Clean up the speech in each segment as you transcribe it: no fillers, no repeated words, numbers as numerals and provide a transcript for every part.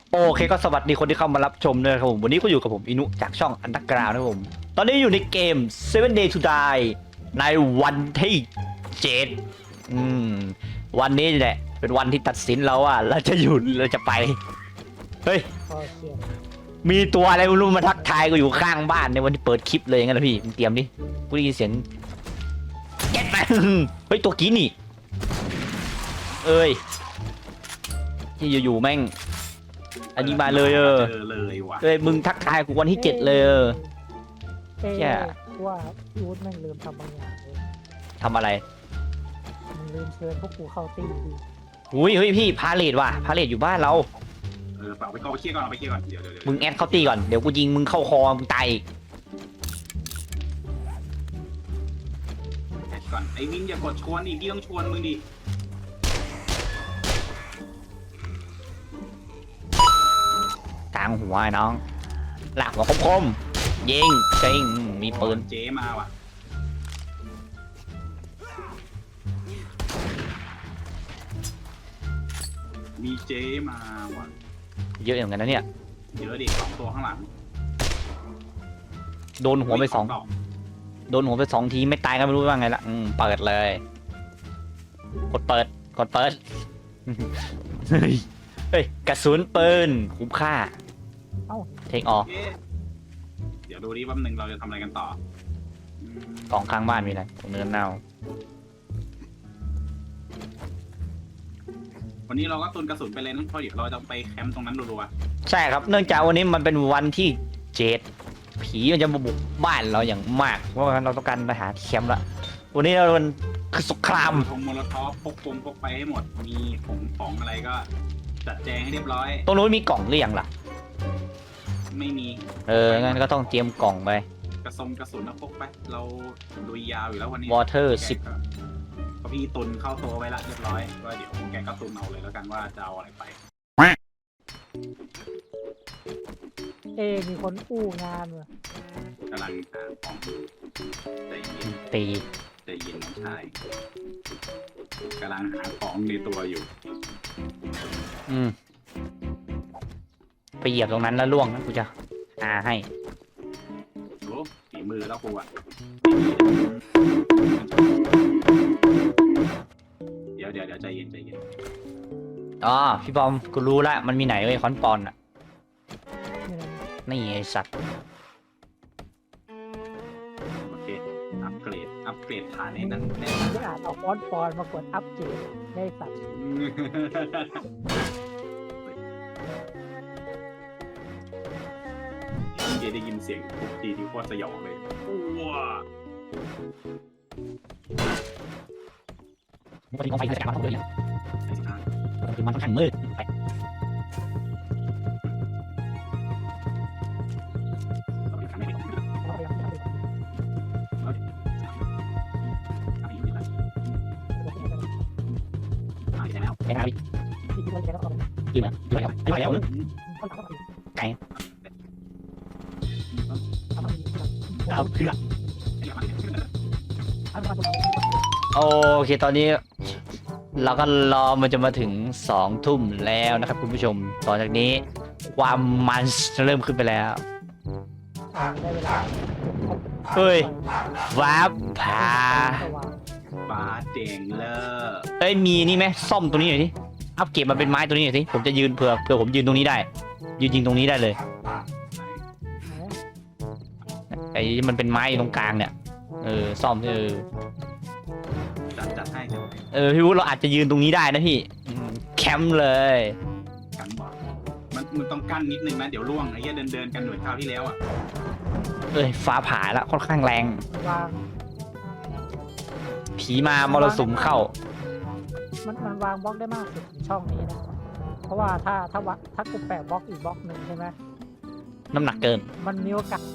โอเคก็สวัสดีคนที่เข้ามารับชมด้วยครับผมวันนี้ก็อยู่กับผมอินุจากช่องอันดักกราวนะครับผมตอนนี้อยู่ในเกม Seven Day to Die ในวันที่7วันนี้แหละเป็นวันที่ตัดสินเราว่าเราจะหยุดเราจะไปเฮ้ยมีตัวอะไรไม่รู้มาทักทายกูอยู่ข้างบ้านในวันที่เปิดคลิปเลยงั้นนะพี่มึงเตรียมดิกูได้ยินเสียงเก็ตแมนเฮ้ยตัวกี้นี่เอ้ยที่อยู่ๆแม่งอันนี้มาเลยเลยว่ะเอ้ยมึงทักทายกูวันที่7เลยแย่ว่าพี่วุฒิแม่งลืมทำบางอย่างเลยทำอะไรมันลืมเชิญพวกกูเข้าตีดีหุ้ยเฮ้ยพี่พาเลทว่ะพาเลทอยู่บ้านเราเปล่าไปเคลียร์ก่อนเอาไปเคลียร์ก่อนเดี๋ยวมึงแอดเข้าตีก่อนเดี๋ยวกูยิงมึงเข้าคอมึงตายอีกแอดก่อนไอ้วินอย่ากดชวนดิพี่ต้องชวนมึงดิกลางหัวไอ้น้องหลักหัวคมๆยิงเก่งมีปืนเจ๊มาว่ะมีเจ๊มาว่ะเยอะอย่างนั้นนะเนี่ยเยอะดิ2 ตัวข้างหลังโดนหัวไป2ทีไม่ตายก็ไม่รู้ว่าไงละเปิดเลยกดเปิดเฮ้ยกระสุนปืนคุ้มค่าเทคออเดี๋ยวดูดิว่านึงเราจะทำอะไรกันต่อกองข้างบ้านมีอะไรตรงเนินเน่าวันนี้เราก็ตุนกระสุนไปเลยนะเพราะเดี๋ยวเราจะไปแคมป์ตรงนั้นรัวๆใช่ครับเนื่องจากวันนี้มันเป็นวันที่7ผีมันจะมาบุกบ้านเราอย่างมากเพราะว่าเราต้องการไปหาแคมป์ละวันนี้เราเป็นคือสงครามทงโมโลทอฟพกไปให้หมดมีของอะไรก็จัดแจงให้เรียบร้อยตรงนู้นมีกล่องหรือยังล่ะไม่มีงั้นก็ต้องเตรียมกล่องไปกระสุนพกไปเราลุยยาวอยู่แล้ววันนี้ Water 10 ก็พี่ตุนเข้าตัวไว้ละเรียบร้อยก็เดี๋ยวแกก็ตุนเอาเลยแล้วกันว่าจะเอาอะไรไปมีคนอู้งานว่ะกำลังหาของใจเย็นใจเย็นน้องชายกำลังหาของในตัวอยู่ไปเหยียบตรงนั้นแล้วล่วงนะกูจะให้โอ้ฝีมือแล้วกูอ่ะเดี๋ยวใจเย็นอ๋อพี่บอมกูรู้ละมันมีไหนเว้ยคอนปอนอ่ะนี่ไอสัตว์โอเคอัปเกรดฐานในนั้นไม่อาจเอาฟอนต์ปอนมากดอัปเกรดได้สัตว์ได้ยินเสียงทุกทีที่โคตรสยองเลยว้าวันนี้กองไฟจะจับมาทั้งเลยคือมันค่อนข้างมืดไก่เอาเพื่อโอเคตอนนี้เราก็รอมันจะมาถึง2 ทุ่มแล้วนะครับคุณผู้ชมต่อจากนี้ความมันจะเริ่มขึ้นไปแล้วเฮ้ยว้าผาเจ๋งเลยมีนี่ไหมซ่อมตัวนี้หน่อยสิอัพเก็บมาเป็นไม้ตัวนี้หน่อยสิผมจะยืนเผื่อผมยืนตรงนี้ได้ยืนยิงตรงนี้ได้เลยไอ้มันเป็นไม้ตรงกลางเนี่ยซ่อมจัดให้พี่วุฒิเราอาจจะยืนตรงนี้ได้นะพี่แคมป์เลยกันบอกมันต้องกั้นนิดนึงนะเดี๋ยวล่วงไอ้เหี้ยเดินกันเหมือนคราวที่แล้วอ่ะฟ้าผ่าแล้วค่อนข้างแรงผีมามรสุมเข้ามันวางบล็อกได้มากสุดในช่องนี้นะเพราะว่าถ้ากูแปะบล็อกอีกบล็อกหนึ่งใช่ไหมน้ำหนักเกินมันมีโอกาส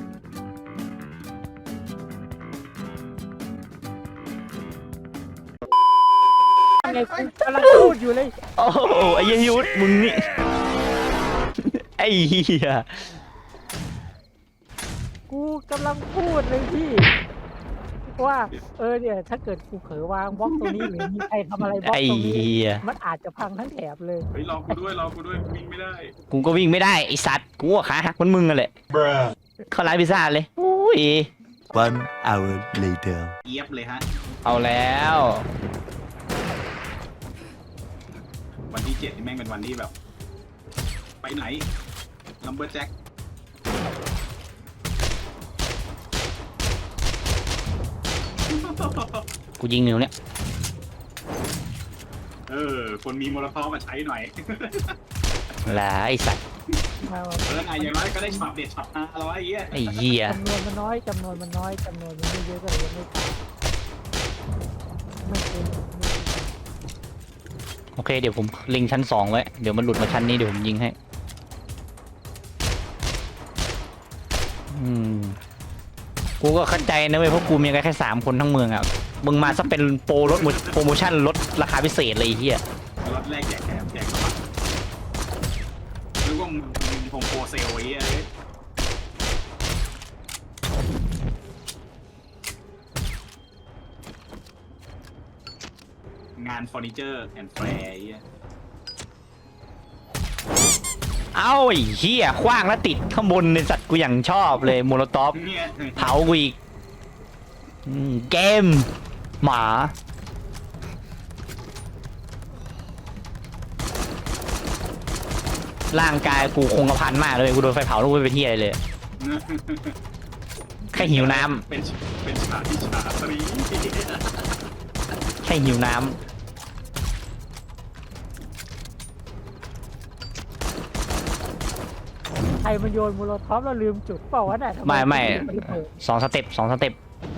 ไงกูกำลังพูดอยู่เลยโอ้ไอ้ยุทธมึงนี่ไอ้เหี้ยกูกำลังพูดเลยพี่ว่าเนี่ยถ้าเกิดกูเผลอวางบล็อกตรงนี้หรือมีใครทำอะไรบล็อกไอ้ตรงนี้เหี้ยมันอาจจะพังทั้งแถบเลยเฮ้ยรอกูด้วยวิ่งไม่ได้กูก็วิ่งไม่ได้ไอสัตว์กูว่าขาหักเหมันมึงกันแหละเข้าร้านพิซซ่าเลยอุ้ย One hour later. เอียบเลยฮะเอาแล้ววันที่7นี่แม่งเป็นวันที่แบบ ไปไหนลัมเบอร์แจ็คกูยิงนิ้วเนี่ยคนมีโมโลทอฟมาใช้หน่อยละไอสัตว์มาไงอย่างน้อยก็ได้ช็อตเด็ดช็อต500ไอ้เหี้ยไอ้เหี้ยจำนวนมันน้อยจำนวนมันไม่เยอะก็เลยยังไม่ขาดไม่เกินโอเคเดี๋ยวผมเล็งชั้น2ไว้เดี๋ยวมันหลุดมาชั้นนี้เดี๋ยวผมยิงให้กูก็เข้าใจนะเว้ยเพราะกูมีกันแค่3คนทั้งเมืองอ่ะมึงมาซะเป็นโปรลดโปรโมชั่นลดราคาพิเศษเลยไอ้เหี้ยรถแรกแจกแถมแจกกระบะนึกว่ามึงคงโปรเซลไอ้เหี้ยเลยงานเฟอร์นิเจอร์แอนด์แฟร์ไอ้เหี้ยเอ้าไอ้เหี้ยขว้างแล้วติดข้างบนในสัตว์กูอย่างชอบเลยโมโลตอฟเนี่ยเผากูอีกเกมหมาร่างกายกูคงกระพันมากเลยกูโดนไฟเผาแล้วกูไม่เป็นเหี้ยอะไรเลย แค่หิวน้ำเป็นฉากที่ฉาตรีแค่หิวน้ำใครมันโยนโมโลทอฟแล้วลืมจุดเปล่าวะเนี่ยทำไม่นเปิด 2 สเต็ป 2 สเต็ป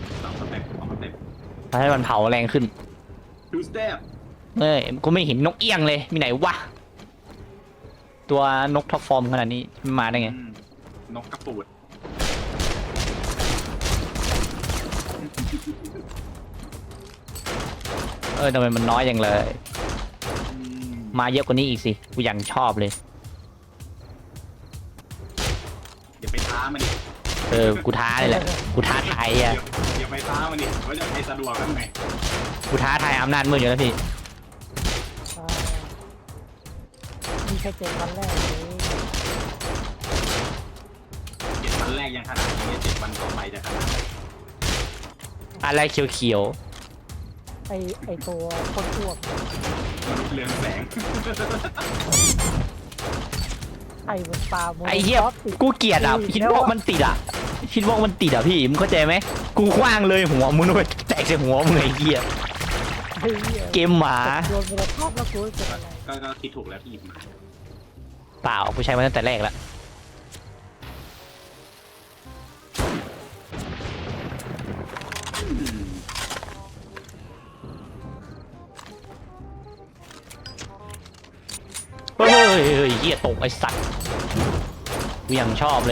ทำให้มันเผาแรงขึ้น 2 สเต็ปกูไม่เห็นนกเอี้ยงเลยมีไหนวะตัวนกท็อปฟอร์มขนาดนี้มันมาได้ไงนกกระปูดทำไมมันน้อยอย่างเลย มาเยอะกว่านี้อีกสิกูยังชอบเลยอย่าไปท้ามันดิกูท้าเลยแหละกูท้าทายอ่ะอย่าไปท้ามันดิว่าจะไปสะดวกกันไหมกูท้าทายอำนาจมืดอยู่แล้วพี่มีแค่7 วันแรกเลย 7 วันแรกยังขนาดนี้7 วันต่อไปจะขนาดไหนอะไรเขียวไอตัวคนอ้วกมนุษย์เรืองแสงไอ้บนปลาโมโลๆไอ้เหี้ยทอฟติดกูเกลียดอ่ะคิดว่ามันติดอ่ะคิดว่ามันติดอ่ะพี่มึงเข้าใจไหมกูคว้างเลยหัวมึงไปแตกใส่หัวมึงไอ้เหี้ยไอ้เหี้ยเกมหมาโยนโมโลทอฟแล้วกูจะเป็นอะไรก็คิดถูกแล้วที่หยิบมาเปล่ากูใช้มาตั้งแต่แรกแล้วเฮ้ยเหี้ยตกไอ้สัตว์กูยังชอบเลย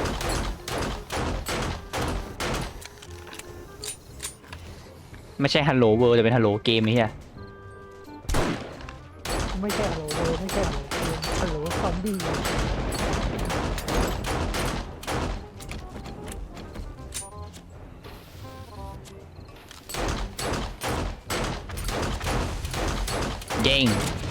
ไม่ใช่ฮัลโหลเวิร์แต่เป็นฮัลโหลเกมนี่เฮียไม่ใช่ฮัลโหลเลยไม่ใช่ฮัลโหลซอมบี้เย้ง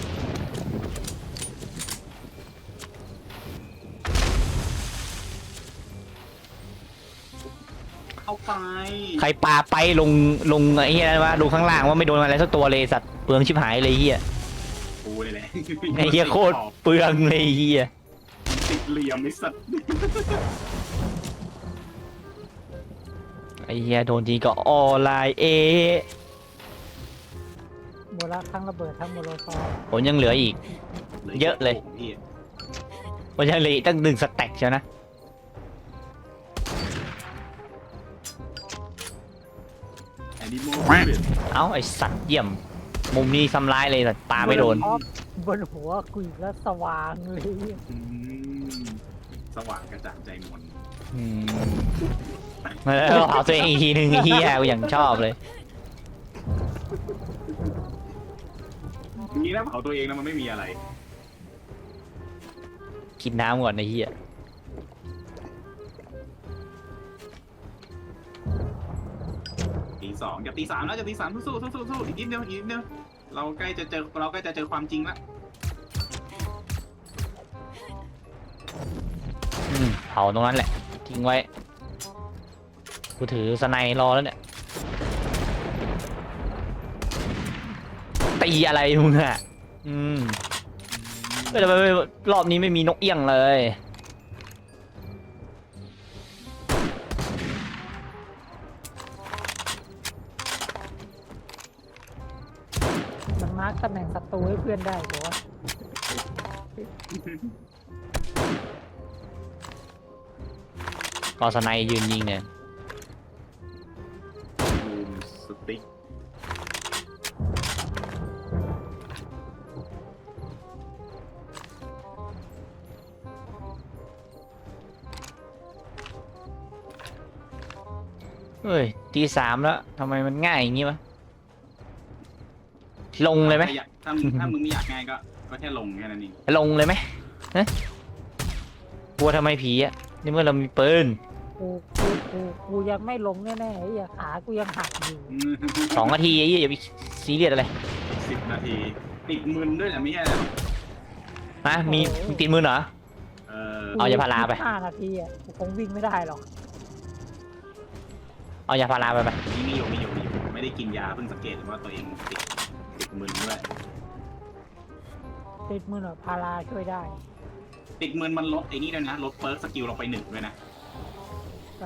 เข้าไปใครปาไปลงไอ้เฮียอะไรวะลงข้างล่างว่าไม่โดนอะไรสักตัวเลยสัตว์เปลืองชิบหายเลยเฮียกูเลยแหละไอ้เฮียโคตรเปลืองเลยเฮียติดเหลี่ยมไอ้สัตว์ไอ้เฮียโดนทีก็ออนไลน์โมโลทั้งระเบิดทั้งโมโลทอฟผมยังเหลืออีก เยอะเลยพี่ผมยังเหลืออีกตั้ง1 สแต็กใช่นะแอนิโมเอ้าไอ้สัตว์เยี่ยม มุมนี้ซ้ำร้ายเลยแต่ปาไม่โดนโลทอฟบนหัวกูอีกแล้วสว่างเลยสว่างกระจ่างใจมนแล้วเผาตัวเองอีกทีหนึ่งไอ้เฮียกูยังชอบเลยนี่นะเผาตัวเองนะมันไม่มีอะไรกินน้ำก่อนไอ้เฮียดี 2จะตี 3แล้วจะตี 3สู้อีกนิดเดียวเราใกล้จะเจอความจริงละเผาตรงนั้นแหละทิ้งไว้กูถือสไนรอแล้วเนี่ยตีอะไรมึงอะแต่ทำไมรอบนี้ไม่มีนกเอี้ยงเลยมันมาร์กตำแหน่งศัตรูให้เพื่อนได้เหรอวะก็สไนยืนยิงเนี่ยบูมสติ๊กเฮ้ยตีสามแล้วทำไมมันง่ายอย่างงี้วะลงเลยไหมถ้ามึงไม่อยากง่ายก็แค่ลงแค่นั้นเองลงเลยไหมฮะกลัวทำไมผีอะนี่เมื่อเรามีปืนกูยังไม่ลงแน่ๆไอ้เหี้ยขากูยังหักอยู่ 2 นาทีไอ้เหี้ยอย่าไปซีเรียสอะไร 10 นาทีติดมึนด้วยนะไม่ใช่เหรอนะมีตีมือเหรอเออเอายาพาราไป 5 นาทีอ่ะกูคงวิ่งไม่ได้หรอกเอายาพาราไปมีอยู่ไม่ได้กินยาเพิ่งสังเกตว่าตัวเองติดมึนด้วยติดมือหน่อยพาราช่วยได้ติดมึนมันลดไอ้นี่ด้วยนะลดเปิร์กสกิลลงไป1ด้วยนะใช่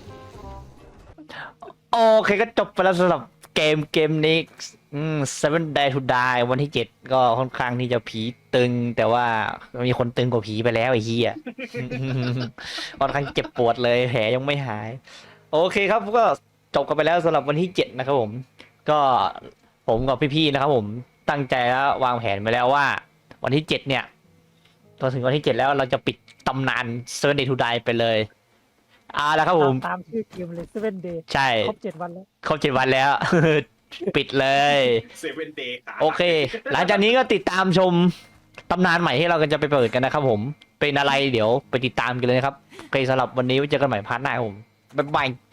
โอเคก็จบไปแล้วสำหรับเกมนี้Seven Day to Die วันที่ 7 ก็ค่อนข้างที่จะผีตึง แต่ว่ามีคนตึงกว่าผีไปแล้วไอ้เหี้ย ค่อนข้างเจ็บปวดเลยแผลยังไม่หาย โอเคครับก็จบกันไปแล้วสำหรับวันที่ 7 นะครับผม ก็ผมกับพี่ๆนะครับผมตั้งใจแล้ววางแผนไปแล้วว่า วันที่ 7 เนี่ยพอถึงวันที่ 7 แล้วเราจะปิดตำนาน Seven Day to Die ไปเลยแล้วครับผมตามชื่อเกมเลย Seven Day ใช่ครบ 7 วันแล้วครบ 7 วันแล้ว ปิดเลย 7 Day โอเค หลังจากนี้ก็ติดตามชมตำนานใหม่ที่เราก็จะไปเปิดกันนะครับผม เป็นอะไรเดี๋ยวไปติดตามกันเลยนะครับโอเคสำหรับวันนี้ไว้เจอกันใหม่พาร์ทหน้าครับผม บ๊ายบาย